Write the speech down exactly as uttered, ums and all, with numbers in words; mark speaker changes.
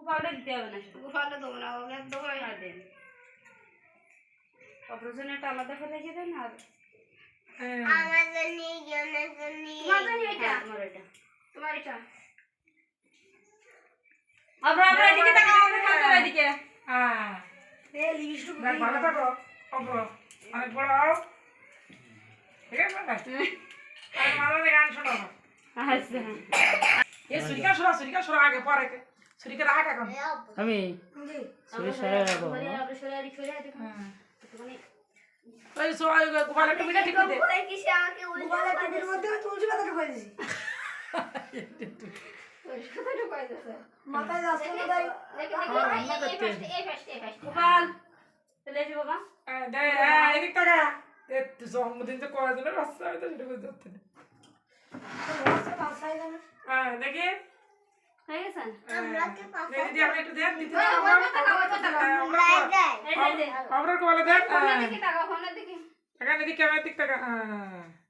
Speaker 1: গোপালটা দিতে হবে না,
Speaker 2: গোপালটা দেবো না, ওকে একদম
Speaker 1: দেন অপারেশনেরটা আলাদা করে রেখে দেন। আর
Speaker 2: আমার জন্য জনের জন্য তোমার জন্য এটা,
Speaker 1: তোমার এটা,
Speaker 2: তোমার এটা
Speaker 1: আমরা আমরা এদিকে তাকাও, আমরা খাতে এদিকে।
Speaker 3: হ্যাঁ
Speaker 2: এই লিস্ট
Speaker 3: দেখ ভালো থাকো অব্র অনেক বড় হও ঠিক আছে না আর মালা রে গান শোনাও
Speaker 1: আচ্ছা
Speaker 3: এই সুরিকা শোনা সুরিকা শোনা আগে পরে সুরিকা রাখ এখন
Speaker 4: আমি
Speaker 2: জি
Speaker 4: সরে সরে রাখো
Speaker 2: বলি আমরা সরে আরি সরে আরি
Speaker 3: হ্যাঁ
Speaker 2: একটুখানি
Speaker 3: ওই সো ওই গোপাল একটু মিলে ঠিক করে
Speaker 2: ওই কিসে আমাকে উল্টা পাতের মধ্যে তুলসী পাতা ঢুকাই দিছি তুলসী পাতা ঢুকাই দিছে মাথায় যাচ্ছে না তাই দেখি দেখি এই ফাস্ট এই ফাস্ট
Speaker 1: গোপাল চলে এসো বাবা।
Speaker 3: দে এদিক টাকা এ তুই জন্মদিন যে করার জন্য রাস্তা হয়তো সেটা বুঝতে পারতে না হ্যাঁ দেখি
Speaker 1: হয়ে গেছে
Speaker 3: দিদি আপনি একটু দেন দিদি
Speaker 1: এই যে
Speaker 3: আমরা কোলে দেন
Speaker 2: দেখি টাকা ফোনে দেখি
Speaker 3: টাকা দিদি ক্যামেরা দিক টাকা